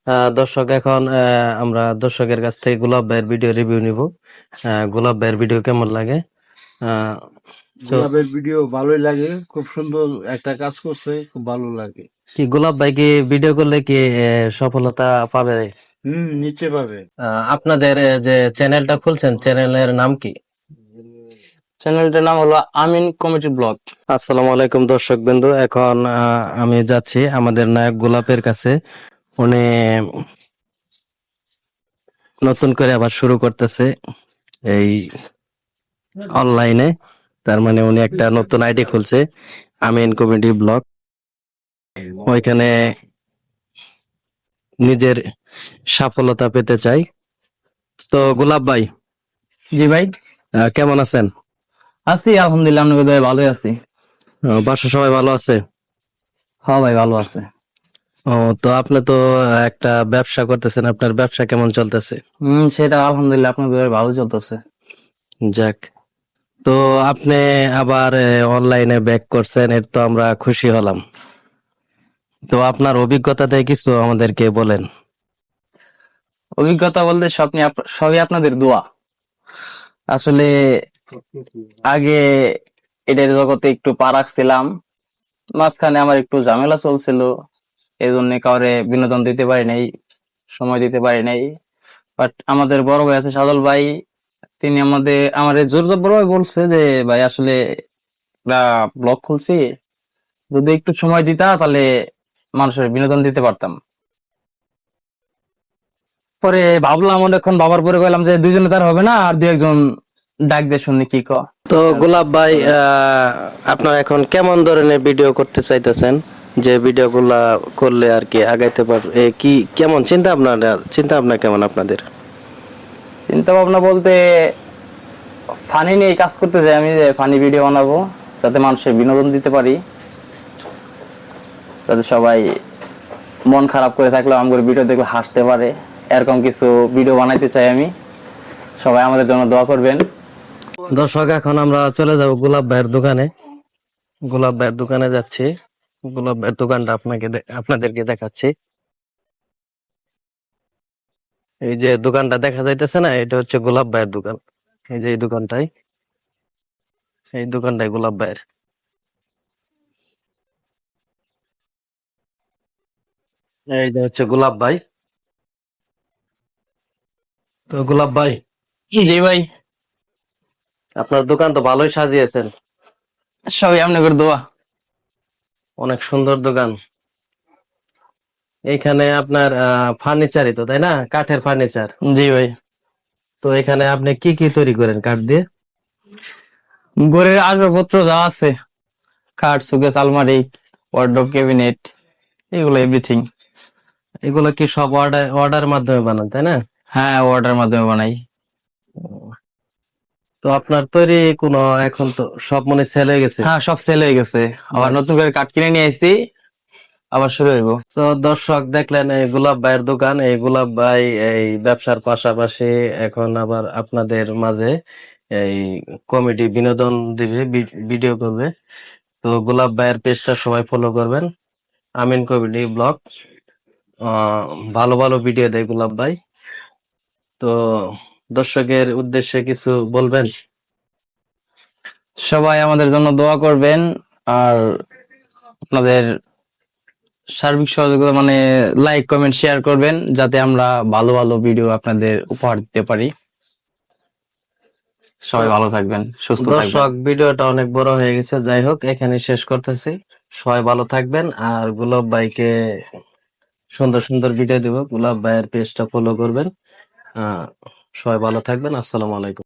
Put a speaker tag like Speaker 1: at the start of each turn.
Speaker 1: দর্শক এখন আমরা দর্শকের কাছ থেকে গোলাপ ভাইয়ের ভিডিও রিভিউ নিব। গোলাপ ভাইয়ের ভিডিও কেমন লাগে? আহ, তো
Speaker 2: গোলাপের ভিডিও ভালোই লাগে, খুব সুন্দর একটা কাজ করছে, খুব ভালো লাগে।
Speaker 1: কি গোলাপ ভাই কি ভিডিও করলে কি সফলতা পাবে?
Speaker 2: নিচে পাবে।
Speaker 1: আপনাদের যে চ্যানেলটা খুলছেন, চ্যানেলের নাম কি?
Speaker 3: চ্যানেলটার নাম হলো আমিন কমেডি ব্লগ।
Speaker 1: আসসালামু আলাইকুম দর্শক বিন্দু। এখন আমি যাচ্ছি আমাদের নায়ক গোলাপের কাছে। উনি নতুন করে আবার শুরু করতেছে এই অনলাইনে। তার মানে উনি একটা নতুন আইডি খুলছে, আমিন কমেডি ব্লগ। ওইখানে নিজের সফলতা পেতে চাই। তো গোলাপ ভাই,
Speaker 3: জি ভাই,
Speaker 1: কেমন আছেন?
Speaker 3: আছি আলহামদুলিল্লাহ, আপনাদের দয়ায় ভালোই আছি।
Speaker 1: বাসা সবাই ভালো আছে?
Speaker 3: হ্যাঁ ভাই, ভালো আছে।
Speaker 1: ও, তো আপনি তো একটা ব্যবসা করতেছেন, আপনার ব্যবসা কেমন চলতেছে?
Speaker 3: সেটা আলহামদুলিল্লাহ আপনাদের দয়ায় ভালো চলতেছে।
Speaker 1: যাক, তো আপনি আবার অনলাইনে ব্যাক করছেন, এর তো আমরা খুশি হলাম। তো আপনার অভিজ্ঞতা থেকে কিছু আমাদেরকে বলেন।
Speaker 3: অভিজ্ঞতা বলতে সবই আপনাদের দোয়া। আসলে আগে এটার জগতে একটু পা রাখছিলাম, মাঝখানে আমার একটু ঝামেলা চলছিল, এই জন্য কাউরে বিনোদন দিতে পারি নাই, সময় দিতে পারি নাই। বাট আমাদের বড় ভাই আছে সাদল ভাই, তিনি আমার জোর জবর ভাই বলছে যে ভাই আসলে ব্লগ খুলছি, যদি একটু সময় দিতা তাহলে মানুষের বিনোদন দিতে পারতাম। পরে ভাবলাম, অনেকক্ষণ বাবার পরে কইলাম যে দুইজনে তার হবে না, আর দুই একজন ডাক দিয়ে শুনি কি ক।
Speaker 1: তো গোলাপ ভাই, আপনার এখন কেমন ধরনের ভিডিও করতে চাইতেছেন? যে ভিডিওগুলা করলে আর কি আগাইতে পারবে, কি কেমন চিন্তা ভাবনা কেমন আপনাদের?
Speaker 3: চিন্তা ভাবনা বলতে ফানি নিয়ে কাজ করতে চাই আমি, যে ফানি ভিডিও বানাবো যাতে মানুষের বিনোদন দিতে পারি, যাতে সবাই মন খারাপ করে থাকলেও আমার ভিডিও দেখলে হাসতে পারে, এরকম কিছু ভিডিও বানাইতে চাই আমি। সবাই আমাদের জন্য দোয়া করবেন।
Speaker 1: দর্শক, এখন আমরা চলে যাব গোলাপ ভাইয়ের দোকানে। গোলাপ ভাইয়ের দোকানে যাচ্ছি। গোলাপ ভাইয়ের দোকানটা আপনাদেরকে দেখাচ্ছি। এই যে দোকানটা দেখা যাইতেছে না, এটা হচ্ছে গোলাপ ভাইয়ের দোকান। এই যে এই দোকানটাই গোলাপ ভাইয়ের। এই যে হচ্ছে গোলাপ ভাই। তো গোলাপ ভাই,
Speaker 3: জি ভাই,
Speaker 1: আপনার দোকান তো ভালোই সাজিয়েছেন,
Speaker 3: সবাই আপনাদের দোয়া।
Speaker 1: অনেক সুন্দর দোকান। এখানে আপনার ফার্নিচারই তো, তাই না? কাঠের ফার্নিচার।
Speaker 3: জি ভাই,
Speaker 1: তো এখানে আপনি কি কি তৈরি করেন কাঠ দিয়ে?
Speaker 3: ঘরের আসবাবপত্র যা আছে, খাট, সুকেস, আলমারি, ওয়ার্ডরোব, ক্যাবিনেট, এগুলো এভরিথিং।
Speaker 1: এগুলো কি সব অর্ডার মাধ্যমে বানান, তাই না?
Speaker 3: হ্যাঁ, অর্ডার মাধ্যমে বানাই।
Speaker 1: তো আপনার তৈরি কোনো এখন তো সব মনে সেল হয়ে গেছে।
Speaker 3: হ্যাঁ, সব সেল হয়ে গেছে, আবার নতুন করে কাঠ কিনে নিয়ে আসছি, আবার শুরু হইব।
Speaker 1: তো দর্শক, দেখলেন এই গোলাপ ভাইয়ের দোকান। এই গোলাপ ভাই এই ব্যবসার পাশাপাশি এখন আবার আপনাদের মাঝে এই কমেডি বিনোদন দিবে, ভিডিও করবে। তো গোলাপ ভাইয়ের পেজটা সবাই ফলো করবেন, আমিন কমেডি ব্লগ। ভালো ভালো ভিডিও দেয় গোলাপ ভাই। তো দর্শকের উদ্দেশ্যে কিছু বলবেন?
Speaker 3: সবাই আমাদের জন্য দোয়া করবেন, আর আপনাদের সার্বিক সহযোগিতা মানে লাইক, কমেন্ট, শেয়ার করবেন, যাতে আমরা ভালো ভালো ভিডিও আপনাদের উপহার দিতে পারি। সবাই ভালো থাকবেন, সুস্থ থাকবেন।
Speaker 1: দর্শক, ভিডিওটা অনেক বড় হয়ে গেছে, যাই হোক এখানে শেষ করতেছি। সবাই ভালো থাকবেন, আর গোলাপ ভাইকে সুন্দর সুন্দর ভিডিও দিব। গোলাপ ভাইয়ের পেজটা ফলো করবেন। সবাই ভালো থাকবেন। আসসালামু আলাইকুম।